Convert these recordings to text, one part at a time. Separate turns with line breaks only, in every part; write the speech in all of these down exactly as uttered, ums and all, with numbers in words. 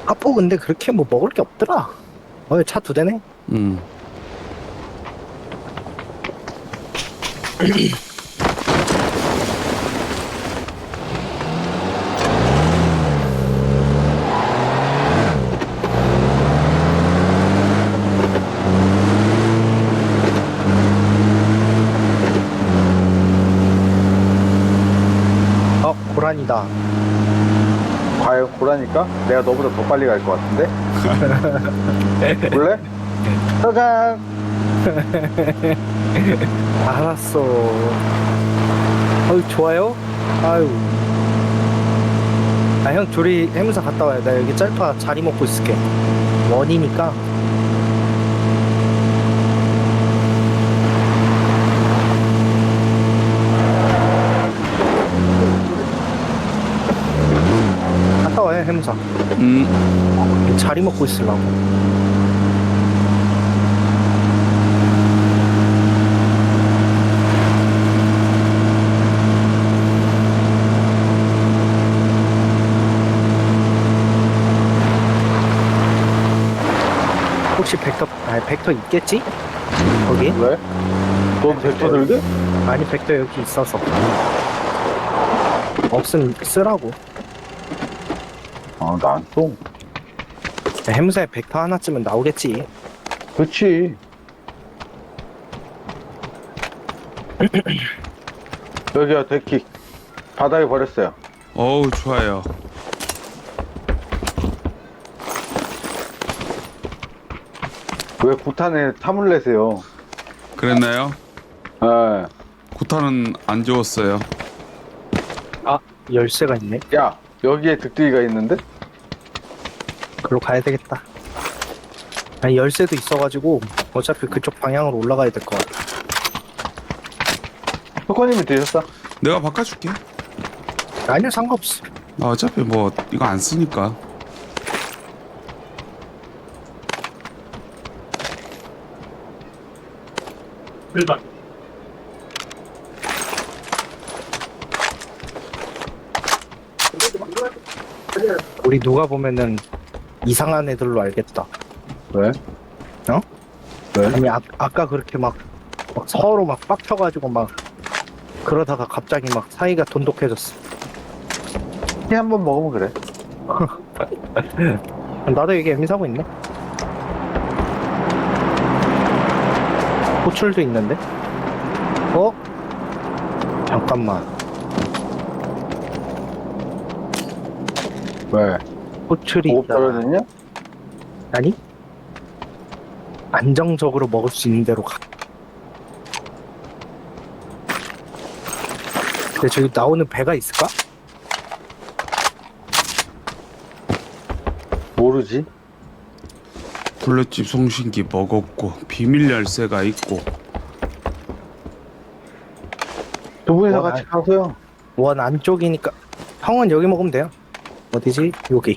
아포 근데 그렇게 뭐 먹을 게 없더라. 어, 차 두 대네?
음.
어, 고란이다.
과연 고라니까? 내가 너보다 더 빨리 갈 것 같은데? 볼래? 짜잔!
알았어. 어유 좋아요? 아유. 아, 형, 둘이 해무사 갔다 와요. 나 여기 짤파 자리 먹고 있을게. 원이니까. 갔다 와요, 해무사.
음.
자리 먹고 있으려고. 혹시 벡터, 아니, 벡터 있겠지? 거기?
왜? 너도 벡터 들게?
아니, 벡터 여기 있어서. 없으면 쓰라고.
아, 난 또.
해무사에 벡터 하나쯤은 나오겠지.
그치. 여기야, 데킥. 바닥에 버렸어요.
어우, 좋아요.
왜 구탄에 탐을 내세요?
그랬나요?
에.
구타는 안 좋았어요.
아, 열쇠가 있네.
야, 여기에 득득이가 있는데?
글로 가야 되겠다. 아니, 열쇠도 있어가지고 어차피 그쪽 방향으로 올라가야 될 것 같아.
효과님이 드셨어?
내가 바꿔줄게.
아니요, 상관없어.
나 어차피 뭐 이거 안 쓰니까.
우리 누가 보면은 이상한 애들로 알겠다.
왜?
어?
왜?
아니, 아, 아까 그렇게 막, 막 서로 막 빡쳐가지고 막 그러다가 갑자기 막 사이가 돈독해졌어.
티 한 번 먹으면 그래.
나도 여기 애미사고 있네. 호출도 있는데? 어? 잠깐만.
왜?
호출이
보급
있잖아.
떨어졌냐?
아니? 안정적으로 먹을 수 있는 대로 가. 근데 저기 나오는 배가 있을까?
모르지.
블루칩 송신기 먹었고 비밀 열쇠가 있고.
두 분이서
뭐,
같이 가세요.
원 안쪽이니까. 형은 여기 먹으면 돼요. 어디지? 여기.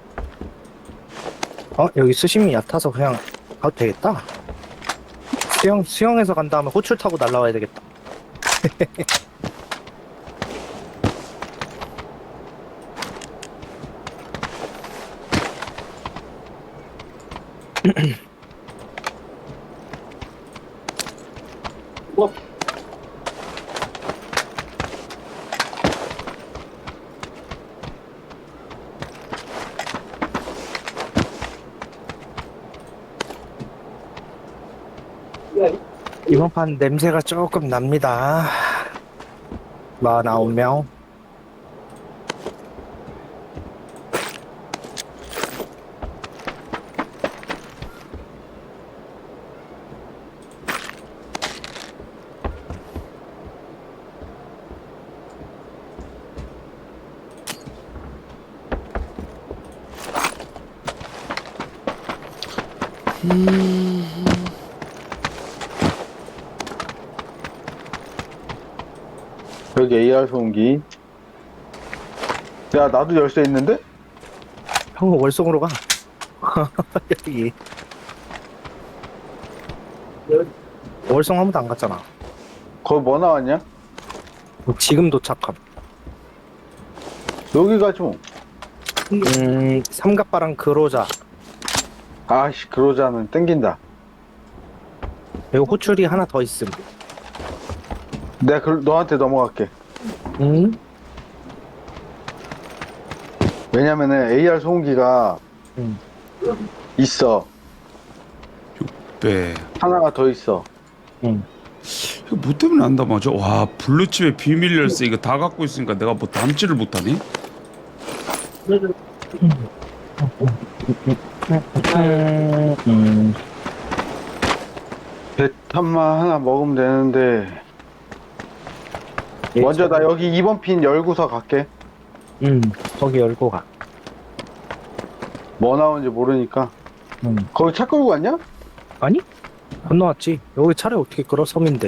어? 여기 수심이 얕아서 그냥 가도 되겠다. 수영, 수영해서 간 다음에 호출 타고 날라와야 되겠다. 이번 판 냄새가 조금 납니다. 마흔아홉 명.
여기 에이알 소음기. 야, 나도 열쇠 있는데?
형은 월송으로 가. 여기. 월송 한 번도 안 갔잖아.
거기 뭐 나왔냐?
지금 도착함.
여기 가지 뭐.
음, 삼각바랑 그로자.
아씨, 그러자는 땡긴다.
그리고 호출이 하나 더 있음.
내가 그, 너한테 넘어갈게.
응?
왜냐면은 에이알 소음기가
응.
있어.
네.
하나가 더 있어.
응.
이거 뭐 때문에 안다 맞아? 와 블루칩의 비밀 열쇠 이거 다 갖고 있으니까 내가 뭐 담지를 못하니?
음, 음.
배탄만 하나 먹으면 되는데. 먼저 나 여기 이 번 핀 열고서 갈게.
응, 거기 열고 가.
뭐 나오는지 모르니까.
응.
거기 차 끌고 갔냐?
아니? 건너왔지. 여기 차를 어떻게 끌어? 섬인데.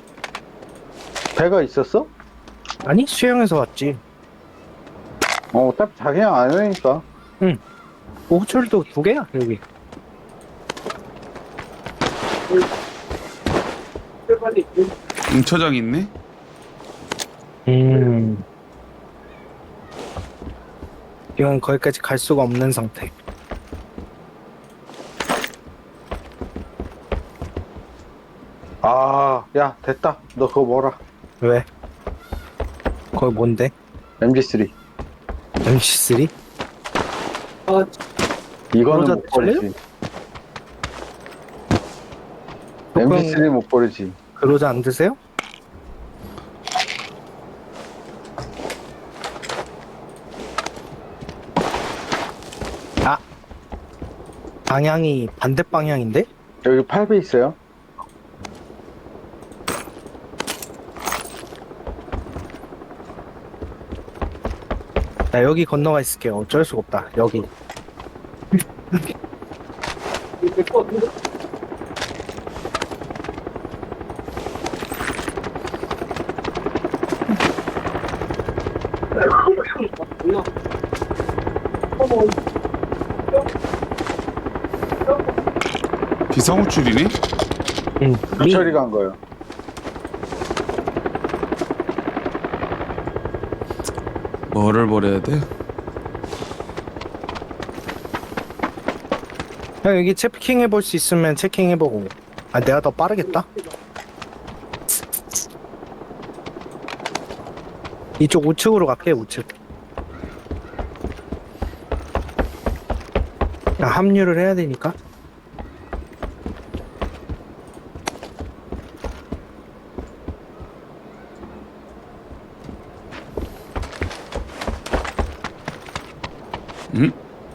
배가 있었어?
아니? 수영해서 왔지.
어, 어차피 자기랑 안 하니까.
뭐 호출도 두 개야, 여기.
응처장 있네?
음. 지금 거기까지 갈 수가 없는 상태.
아, 야, 됐다. 너 그거 뭐라.
왜? 거기 뭔데?
엠지 쓰리.
엠씨 쓰리?
이거는
그러자
못 버리지.
그럼-
엠지 쓰리 못 버리지.
그러자 안 드세요? 아! 방향이 반대 방향인데?
여기 팔 배 있어요?
나 여기 건너가 있을게요. 어쩔 수가 없다. 여기.
비상호출이니?
응. 미.
처리 간 거예요.
뭐를 버려야 돼?
형 여기 체킹 해볼 수 있으면 체킹 해보고. 아 내가 더 빠르겠다. 이쪽 우측으로 갈게 우측. 아, 합류를 해야 되니까.
응?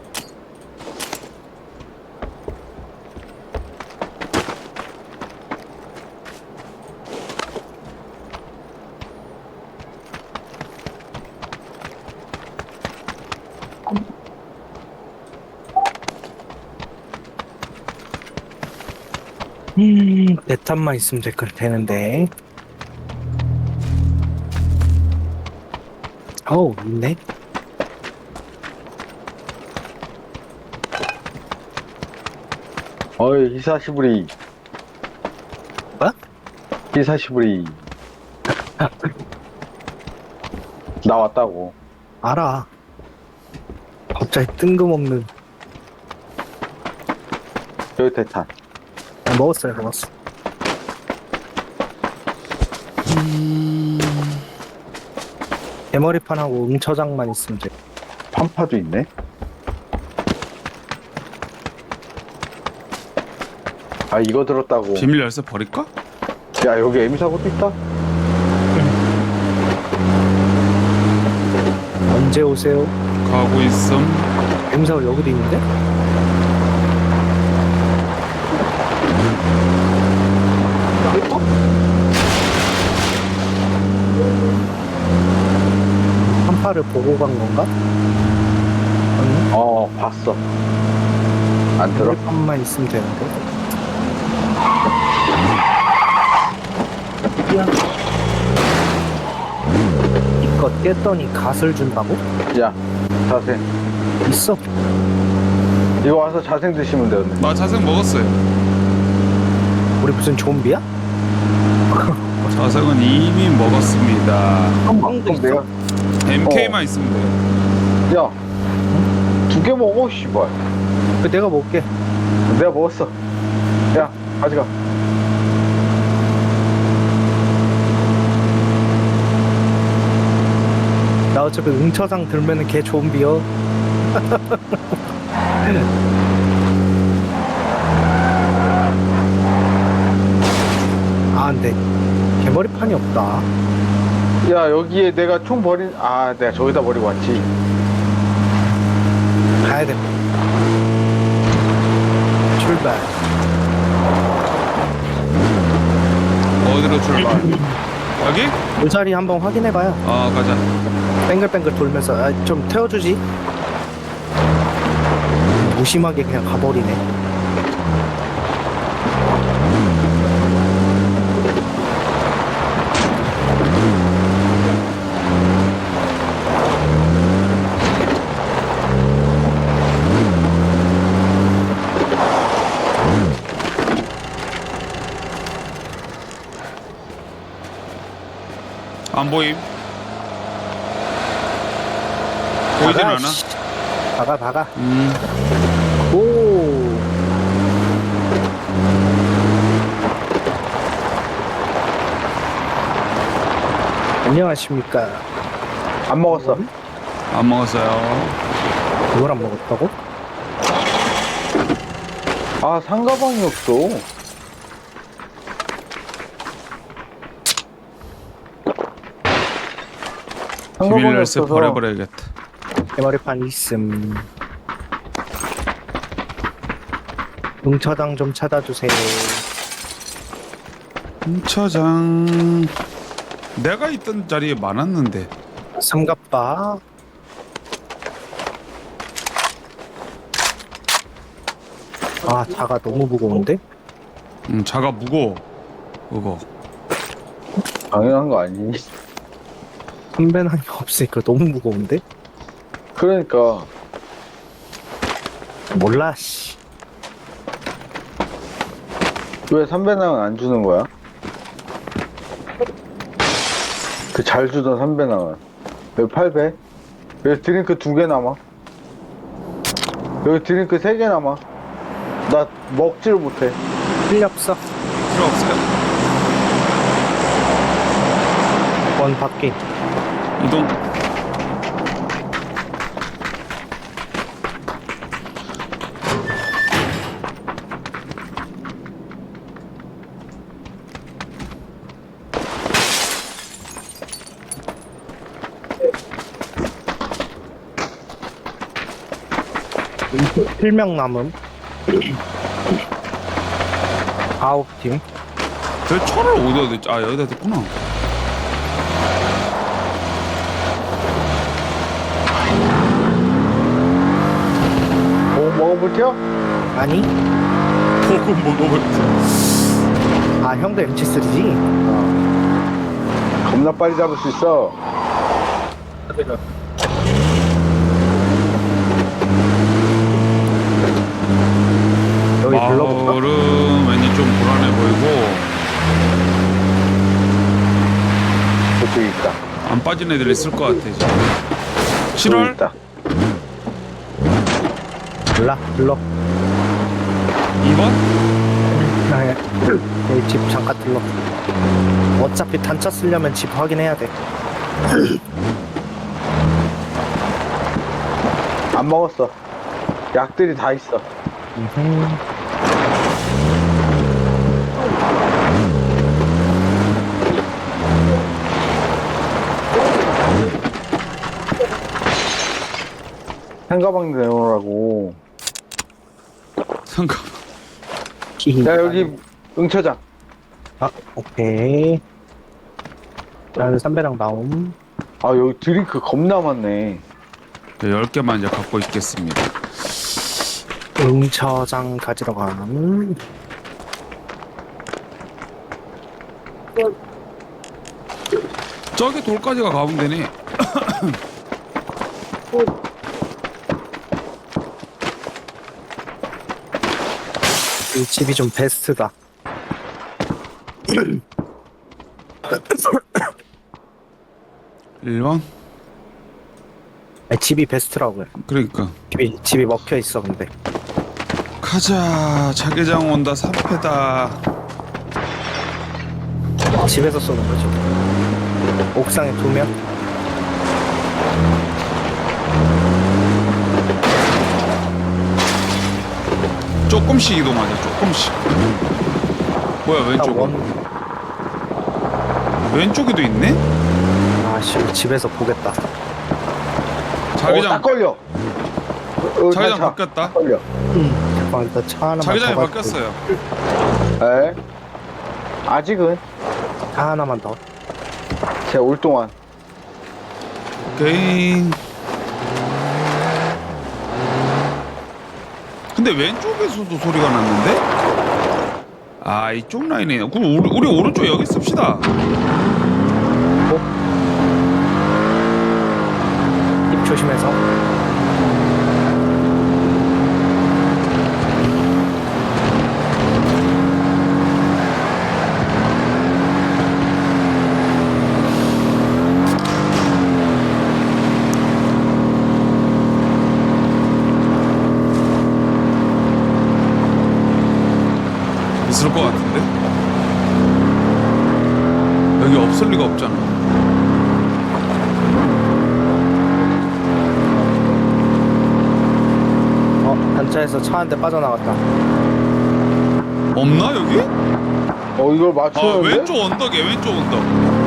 음, 대탄만 있으면 될 걸 되는데. 어우, 있네.
어이, 히사시부리.
뭐?
히사시부리. 나 왔다고.
알아. 갑자기 뜬금없는.
여기 대탄.
아, 먹었어요, 먹었어. 대머리판하고 응처장만 있으면 돼.
판파도 있네. 아, 이거 들었다고.
비밀 열쇠 버릴까?
야, 여기 에미사고도 있다?
언제 오세요?
가고 있음.
엠사가 여기도 있는데? 한파를 보고 간 건가? 아니,
어, 봤어. 안 들어?
대머리판만 있으면 되는데. 이거 깼더니 갓을 준다고?
야, 자생.
있어.
이거 와서 자생 드시면 되는데.
나 자생 먹었어요.
우리 무슨 좀비야?
자생은 이미 먹었습니다.
한방도
그럼 내가,
엠케이만 있으면 돼요.
야, 두 개 먹어 씨발.
그 내가 먹을게.
내가 먹었어. 야 가져가.
나 어차피 응처장 들면은 개 좀비여. 아, 근데 개머리판이 없다.
야 여기에 내가 총 버린 아 내가 저기다 버리고 왔지.
가야 돼. 출발.
어디로 출발? 여기?
이 자리 한번 확인해봐요.
아 가자.
뱅글뱅글 돌면서 아, 좀 태워주지. 무심하게 그냥 가버리네.
안 보임. 보이진
박아,
않아.
씨. 박아 박아.
음.
오. 안녕하십니까.
안 먹었어.
안 먹었어요.
이걸 안 먹었다고?
아 상가방이 없어.
비밀
상가방이
열쇠
없어서
버려버려야겠다.
개머리판 있음. 응처장 좀 찾아주세요.
공차장 내가 있던 자리에 많았는데.
삼갑바. 아, 자가 너무 무거운데?
음, 자가 무거워. 그거.
당연한 거 아니니?
선배낭이 없으니까 너무 무거운데?
그러니까
몰라, 씨.
왜 삼배낭은 안 주는 거야? 그 잘 주던 삼배낭은 여기 팔 배? 여기 드링크 두 개 남아. 여기 드링크 세 개 남아. 나 먹지를 못해.
필요 없어.
필요 없어요.
원 밖에.
이동.
필명 남음. 아홉 팀.
저 철을 어디다 댔지? 아 여기다 댔구나.
뭐 먹어볼게요?
아니?
보고 먹어버렸어.
아, 형도 엠치 쓰리지?
어. 겁나 빨리 잡을 수 있어.
여기 불러볼까?
마을은 왠지 좀 불안해 보이고
저쪽에 있다.
안 빠진 애들 있을 것 같아 지금.
저기
칠월?
있다.
몰라, 불러.
이 번?
아, 예. 여기 집 잠깐 들러. 어차피 단차 쓰려면 집 확인해야 돼.
안 먹었어. 약들이 다 있어.
음흠.
상가방 내놓으라고.
잠깐만.
야 여기 응처장.
아, 오케이. 나는 삼배랑 나옴.
아 여기 드링크 겁나 많네.
열 개만 이제 갖고 있겠습니다.
응처장 가지러 감.
저기 돌까지가 가면 되네.
이 집이 좀 베스트다.
일 번.
아니, 집이 베스트라고요.
그러니까
집이 집이 먹혀 있어 근데.
가자. 자개장 온다. 삼 패다.
집에서 쏘는 거지. 옥상에 두 명.
조금씩 이동하자. 조금씩. 뭐야
딱
왼쪽?
원.
왼쪽에도 있네?
아씨 집에서 보겠다.
어, 딱
자기장
걸려. 어,
자기장
차,
바뀌었다.
딱 걸려.
음. 잠깐 일단 차 하나만
자기장이
더 가지고.
바뀌었어요.
에? 아직은
차 하나만 더.
제 올 동안.
오케이. 근데 왼쪽에서도 소리가 났는데? 아 이쪽 라인이네. 그럼 우리, 우리 오른쪽 여기 씁시다.
입 조심해서.
있을 것 같은데? 여기 없을 리가 없잖아.
어 단차에서 차 한 대 빠져나갔다.
없나 여기?
어, 이걸
아
맞추는데?
왼쪽 언덕에 왼쪽 언덕.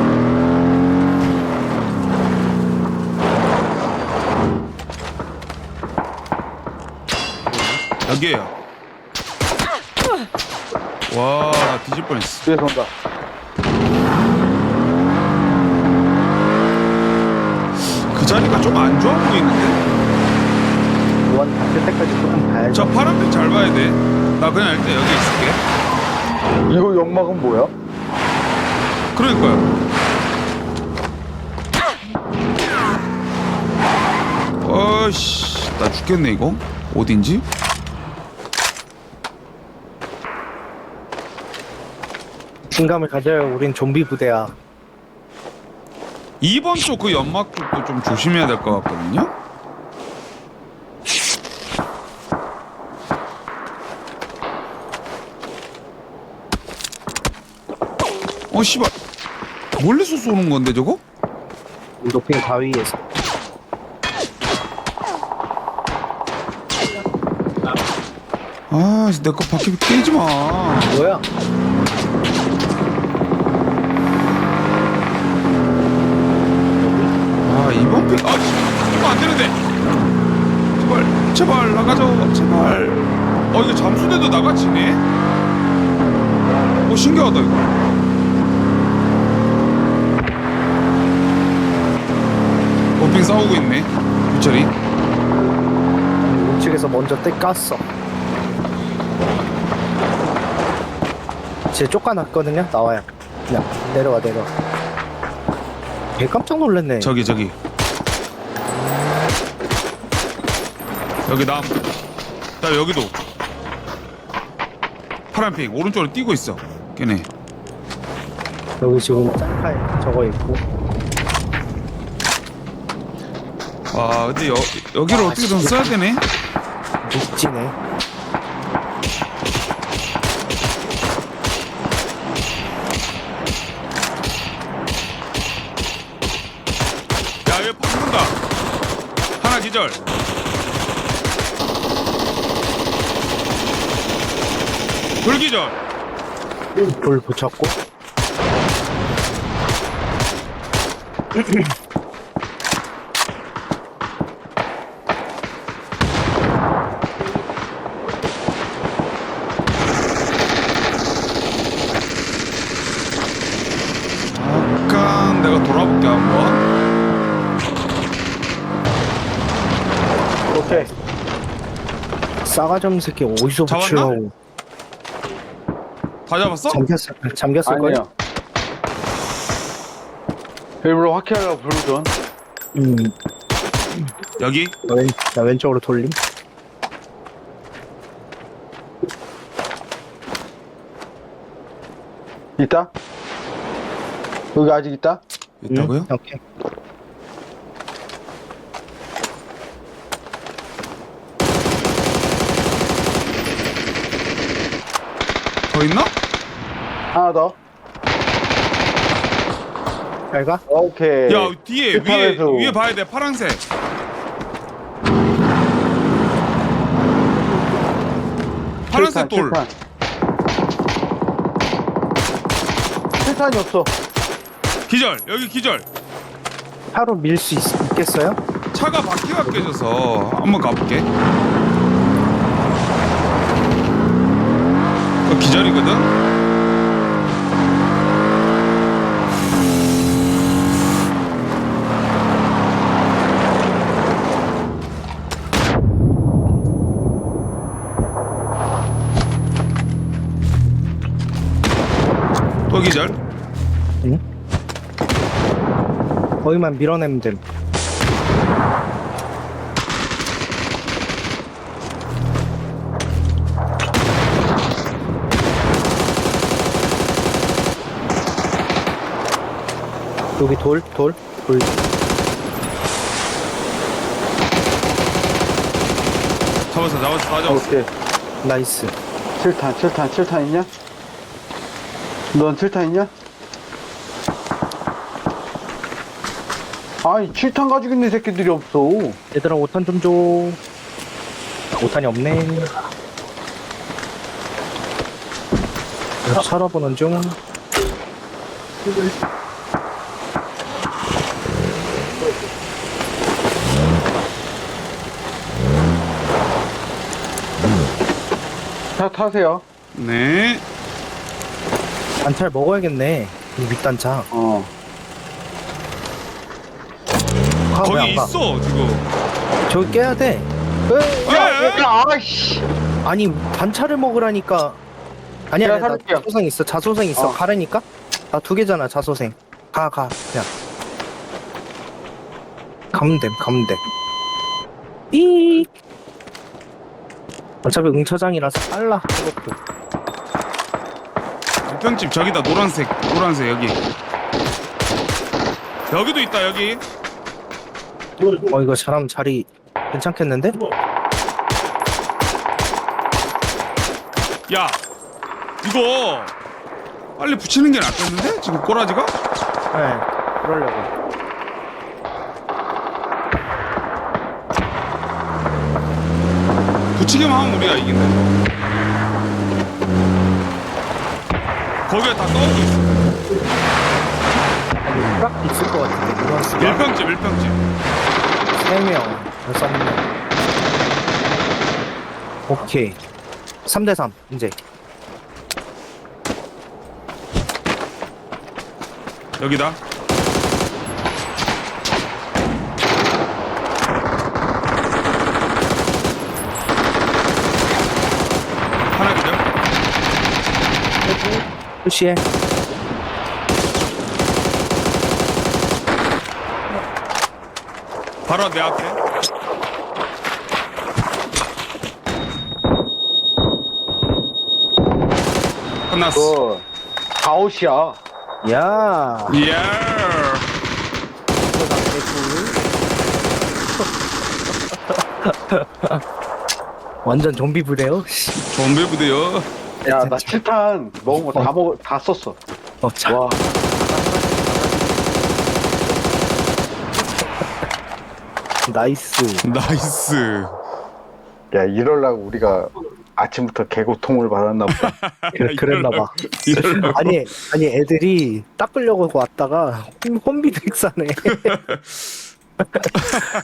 여기에요. 와, 나 뒤질 뻔했어.
뒤에서 온다.
그 자리가 좀 안 좋아 보이는데?
원 바뀔 때까지 조금 봐야죠.
저 파란색 잘 봐야 돼. 나 그냥 일단 여기 있을게.
이거 연막은 뭐야?
그러니까요. 어이씨, 나 죽겠네 이거. 어딘지?
긴감을 가져요. 우린 좀비 부대야.
이 번 쪽 그 연막 쪽도 좀 조심해야 될 것 같거든요. 어 씨발, 멀리서 쏘는 건데 저거?
높인 바위에서.
아, 내 거 바퀴 깨지 마.
뭐야?
아, 이번 픽, 아, 씨, 이거 안 되는데. 제발, 제발 나가줘, 제발. 어, 이거 잠수대도 나가지네. 어, 신기하다 이거. 버핑 싸우고 있네. 유철이.
우측에서 먼저 떼 깠어. 쟤 쫓아났거든요. 나와요. 그냥 내려와 내려와. 걔 깜짝 놀랐네.
저기 저기. 여기 남. 자 여기도. 파란 핑 오른쪽으로 뛰고 있어. 걔네.
여기 지금 짤칼 저거 있고.
아 근데 여 여기를
아,
어떻게든
진짜.
써야 되네.
녹지네.
야 여기 팍 쏜다. 하나 기절. 둘 기절.
불 붙였고.
잠깐 내가 돌아볼게 한번.
오케이. 싸가지 없는 새끼 어디서
잡았나?
붙여?
다 잡았어?
잠겼을 잠겼을 걸.
아니야. 일부러 확실하려고 부르던.
음.
여기.
나 왼, 나 왼쪽으로 돌림.
있다? 여기 아직 있다?
있다고요?
음, 오케이.
더 있나?
하나 더.
잘 가?
오케이.
야 뒤에 위에
칠탄에서.
위에 봐야 돼 파란색. 파란색 돌.
칠탄. 칠탄이 없어.
기절 여기 기절.
차로 밀 수 있겠어요?
차가 바퀴가 깨져서 한번 가볼게. 어, 기절이거든. 또 기절.
응? 거기만 밀어내면 됨. 여기 돌, 돌, 돌.
잡았어 잡았어 다 잡았어.
오케이.
나이스.
칠탄, 칠탄, 칠탄 있냐? 넌 칠탄 있냐? 아니, 칠탄 가지고 있는 새끼들이 없어.
얘들아, 오탄 좀 줘. 오탄이 없네. 살아보는 중.
차 타세요.
네.
단차를 먹어야겠네. 이 밑단차.
어.
아, 왜안
거기
가?
있어 지금.
저기 깨야 돼.
야, 야, 야.
아이씨.
아니, 단차를 먹으라니까. 아니야,
제가
아니야, 나
살릴게요.
자소생 있어. 자소생 있어.
어.
가라니까? 나 두 개잖아, 자소생. 가, 가. 그냥. 가면 됨, 가면 돼. 삐. 어차피 응처장이라서 빨라. 그것도.
일평집 저기다 노란색 노란색 여기. 여기도 있다 여기.
어, 이거 사람 자리 괜찮겠는데?
야 이거 빨리 붙이는 게 낫겠는데? 지금 꼬라지가?
네, 그러려고.
붙이기만 하면 우리가 이긴다. 거기에 다 떠오고 있어.
아니, 딱 있을 것 같은데, 누런스가.
일평집 일평집.
세 명, 여섯 명. 오케이. 삼 대 삼, 이제.
여기다. 하나 기절.
푸시해.
바로 내 앞에. 끝났어.
그거, 아웃이야.
야.
이야.
완전 좀비 부대요? 씨.
좀비 부대요.
야, 나 칠탄 먹은 거 다 먹어, 다 썼어.
어, 자.
와.
나이스.
나이스.
야, 이럴라고 우리가 아침부터 개고통을 받았나 보다.
그래, 그랬나봐.
이러려고.
아니, 아니, 애들이 닦으려고 왔다가 홈비드 익사네.